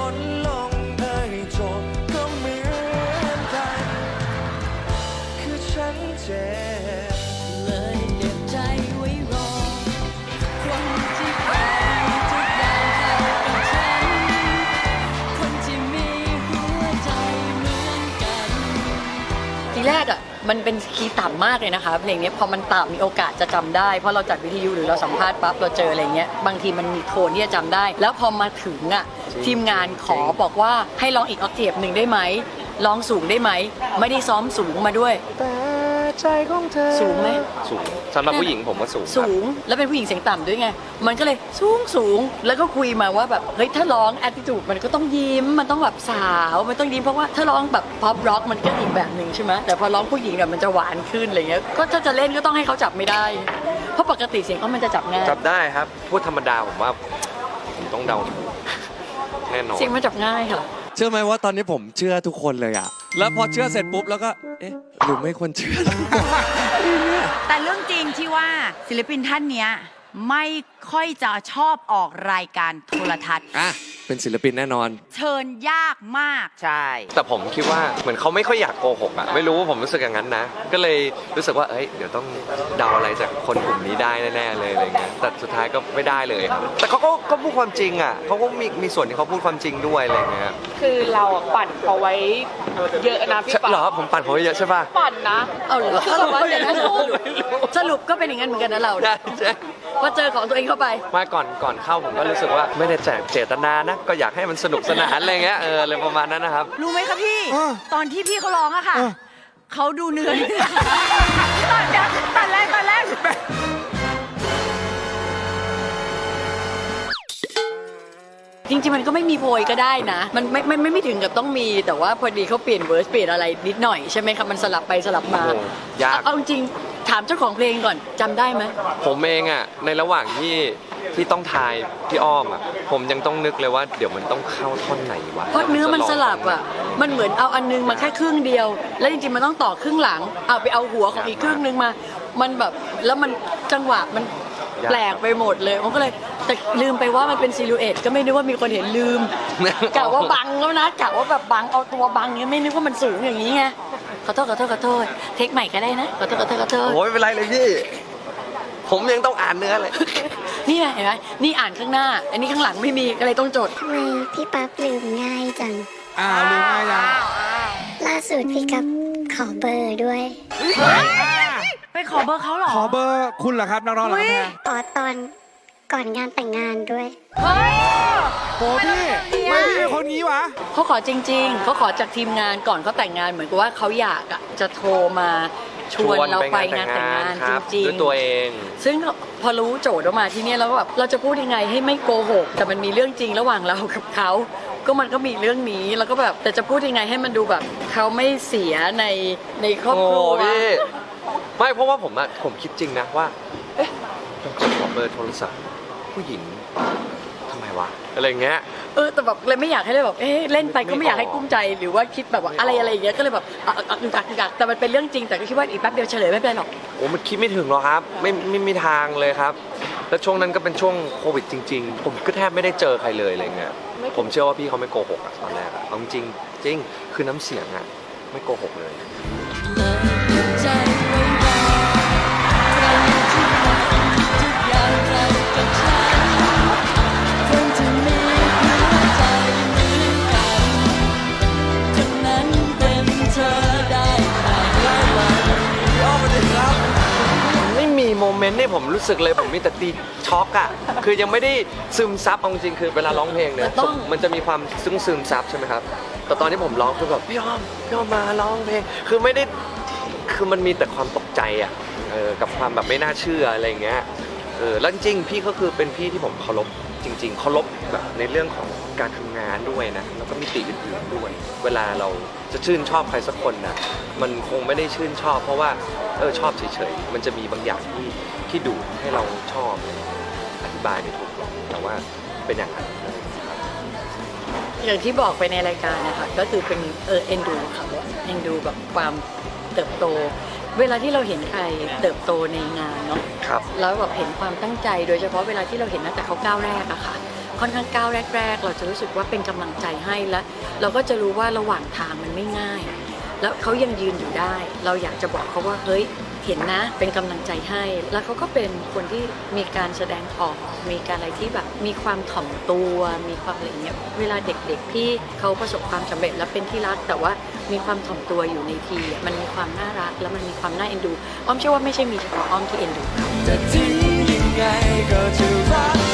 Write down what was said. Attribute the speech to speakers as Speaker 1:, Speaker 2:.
Speaker 1: นลงให้จบก็เหมือนกันคือฉันเจ็บ
Speaker 2: เลยเก็บใจไว้รอคนที่เคยทุกอย่างเข้ากับฉันคนที่มีหัวใจเหมือนกันทีแรกอ่ะมันเป็นคีย์ต่ำมากเลยนะคะเพลงนี้พอมันต่ำมีโอกาสจะจำได้เพราะเราจัดวิทยุหรือเราสัมภาษณ์ปั๊บเราเจออะไรเงี้ยบางทีมันมีโทนที่จะจำได้แล้วพอมาถึงอ่ะทีมงานขอบอกว่าให้ร้องอีกออกเทปหนึ่งได้ไหมร้องสูงได้ไหมไม่ได้ซ้อมสูงมาด้วย
Speaker 1: แต่ใจของเธอ
Speaker 2: สูงไหม
Speaker 3: สูงสำหรับผู้หญิงผมว่าสูง
Speaker 2: สูงแล้วเป็นผู้หญิงเสียงต่ำด้วยไงมันก็เลยสูงแล้วก็คุยมาว่าแบบเฮ้ยถ้าร้องแอตติจูดมันก็ต้องยิ้มมันต้องแบบสาวมันต้องยิ้มเพราะว่าถ้าร้องแบบพ็อปร็อกมันก็อีกแบบหนึ่งใช่ไหมแต่พอร้องผู้หญิงแบบมันจะหวานขึ้นอะไรเงี้ยก็ถ้าจะเล่นก็ต้องให้เขาจับไม่ได้เพราะปกติเสียงก็มันจะจับง่าย
Speaker 3: จับได้ครับพูดธรรมดาผมว่าผมต้องเดาแน่นอน
Speaker 2: เสียงมันจับง่ายค่ะ
Speaker 4: เชื่อไหมว่าตอนนี้ผมเชื่อทุกคนเลยอะแล้วพอเชื่อเสร็จปุ๊บแล้วก็เอ๊ะหรือไม่ควรเชื่อ
Speaker 5: แต่เรื่องจริงที่ว่าศิลปินท่านเนี้ยไม่ค่อยจะชอบออกรายการโทรทัศน์
Speaker 4: เป็นศิลปินแน่นอน
Speaker 5: เชิญยากมาก
Speaker 6: ใช่
Speaker 3: แต่ผมคิดว่าเหมือนเขาไม่ค่อยอยากโกหกอ่ะไม่รู้ว่าผมรู้สึกอย่างนั้นนะก็เลยรู้สึกว่าเอ้ยเดี๋ยวต้องเดาอะไรจากคนกลุ่มนี้ได้แน่ๆเลยอะไรเงี้ยแต่สุดท้ายก็ไม่ได้เลยครับแต่เขาก็พูดความจริงอ่ะเขาก็มีส่วนที่เขาพูดความจริงด้วยอะไรเงี้ย
Speaker 7: คือเราปั่นเขาไว้เยอะนะพี่ป๋า
Speaker 3: เหรอผมปั่นเขาไว้เยอะใช่ป่ะ
Speaker 7: ปั่นนะ
Speaker 2: เอาเหรอสรุปว่าอย่างนั้นสรุปก็เป็นอย่างนั้นเหมือนกันนะเราพอเจอของตัวเองเข้าไป
Speaker 3: มาก่อนเข้าผมก็รู้สึกว่าไม่ได้เจตนานะก็อยากให้มันสนุกสนานอะไรเงี้ยอะไรประมาณนั้นนะครับ
Speaker 5: รู้ไหมคะพี่ตอนที่พี่เขาร้องอะค่ะเขาดูเหนื่อยตอนแรก
Speaker 2: จริงๆมันก็ไม่มีโพยก็ได้นะมันไม่ถึงกับต้องมีแต่ว่าพอดีเขาเปลี่ยนเวอร์สเปลี่ยนอะไรนิดหน่อยใช่ไหมครับมันสลับไปสลับมาย
Speaker 3: าก
Speaker 2: เอาจริงถามเจ้าของเพลงก่อนจำได้ไหม
Speaker 3: ผมเองอ่ะในระหว่างที่ต้องทายพี่อ้อมอ่ะผมยังต้องนึกเลยว่าเดี๋ยวมันต้องเข้าท่อนไหนวะ
Speaker 2: เพราะเนื้อมันสลับอ่ะมันเหมือนเอาอันนึงมาแค่ครึ่งเดียวแล้วจริงๆมันต้องต่อครึ่งหลังเอาไปเอาหัวของอีกครึ่งนึงมามันแบบแล้วมันจังหวะมันแปลกไปหมดเลยผมก็เลยแต่ลืมไปว่ามันเป็นซิลูเอตก็ไม่นึกว่ามีคนเห็นลืมกะว่าบังแล้วนะกะว่าแบบบังเอาตัวบังเนี้ยไม่นึกว่ามันสูงอย่างนี้ไงขอโทษเทคใหม่ก็ได้นะขอโทษ
Speaker 3: โอ้ยไม่เป็นไรเลยพี่ผมยังต้องอ่านเนื้อเลย
Speaker 2: นี่ไงเห็นไหมนี่อ่านข้างหน้าอันนี้ข้างหลังไม่มีก็เลยต้องจด
Speaker 8: ทำไมพี่ปั๊บลืมง่ายจัง
Speaker 4: ลืมง่ายจัง
Speaker 8: ล่าสุดพี่กับขอเบอร์ด้วย
Speaker 5: ไปขอเบอร์เขาเหรอ
Speaker 4: ขอเบอร์คุณเหรอครับนักร้องเหรอครับ
Speaker 8: ขอตอนก่อนงานแต่งงานด้วย
Speaker 5: เฮ้ย
Speaker 4: โหพี่ไม่พี่เป็นคนงี้วะ
Speaker 2: เขาขอจริงๆเขาขอจากทีมงานก่อนเขาแต่งงานเหมือนกับว่าเขาอยากจะโทรมาชวนเราไปงานแต่งงานจริงๆ
Speaker 3: ด้วยตัวเอง
Speaker 2: ซึ่งพอรู้โจทย์ออกมาที่นี่แล้วแบบเราจะพูดยังไงให้ไม่โกหกแต่มันมีเรื่องจริงระหว่างเรากับเขาก็มันก็มีเรื่องนี้แล้วก็แบบแต่จะพูดยังไงให้มันดูแบบเขาไม่เสียในครอบครัว
Speaker 3: ไม่เพราะว่าผมคิดจริงนะว่าเอ๊ะเราจะขอเบอร์โทรศัพท์ผู้หญิงทำไมวะอะไรเงี้ย
Speaker 2: แต่แบบเลยไม่อยากให้เลยแบบเล่นไปก็ไม่อยากให้กุ้มใจหรือว่าคิดแบบว่าอะไรอย่างเงี้ยก็เลยแบบกักแต่มันเป็นเรื่องจริงแต่ก็คิดว่าอีกแป๊บเดียวเฉลยไม่เป็นหรอก
Speaker 3: โอ้มันคิดไม่ถึงหรอกครับไม่มีทางเลยครับแล้วช่วงนั้นก็เป็นช่วงโควิดจริงๆผมก็แทบไม่ได้เจอใครเลยอะไรเงี้ยผมเชื่อว่าพี่เขาไม่โกหกอะตอนแรกอะเอาจริงคือน้ำเสียงอะไม่โกหกเลยโมเมนต์นี่ผมรู้สึกเลยผมมีแต่ตีช็อกอะคือยังไม่ได้ซึมซับเอาจริงคือเวลาร้องเพลงเนี่ยมันจะมีความซึมซับใช่ไหมครับแต่ตอนที่ผมร้องคือแบบพี่อ้อมมาร้องเพลงคือไม่ได้คือมันมีแต่ความตกใจอะกับความแบบไม่น่าเชื่ออะไรเงี้ยแล้วจริงๆพี่ก็คือเป็นพี่ที่ผมเคารพจริงๆเคารพแบบในเรื่องของการทำงานด้วยนะแล้วก็มิติอื่นๆด้วยเวลาเราจะชื่นชอบใครสักคนนะมันคงไม่ได้ชื่นชอบเพราะว่าชอบเฉยๆมันจะมีบางอย่างที่ดูให้เราชอบอธิบายไม่ถูกแต่ว่าเป็นอย่างนั้น
Speaker 2: อย่างที่บอกไปในรายการนะคะก็คือเป็นเอ็นดูค่ะเอ็นดูแบบความเติบโตเวลาที่เราเห็นใครเติบโตในงานเนาะแล้วแบบเห็นความตั้งใจโดยเฉพาะเวลาที่เราเห็นตั้งแต่เขาก้าวแรกอะค่ะค่อนข้างก้าวแรกๆเราจะรู้สึกว่าเป็นกำลังใจให้แล้วเราก็จะรู้ว่าระหว่างทางมันไม่ง่าย แล้วเขายังยืนอยู่ได้เราอยากจะบอกเขาว่าเฮ้ยเห็นนะเป็นกำลังใจให้แล้วเขาก็เป็นคนที่มีการแสดงออกมีการอะไรที่แบบมีความถ่อมตัวมีความอะไรเงี้ยเวลาเด็กๆที่เขาประสบความสำเร็จและเป็นที่รักแต่ว่ามีความถ่อมตัวอยู่ในทีมันมีความน่ารักแล้วมันมีความน่าเอ็นดูอ้อมเชื่อว่าไม่ใช่มีเฉพาะอ้อมที่เอ็นดู
Speaker 1: จะทิ้งยังไงก็จะรัก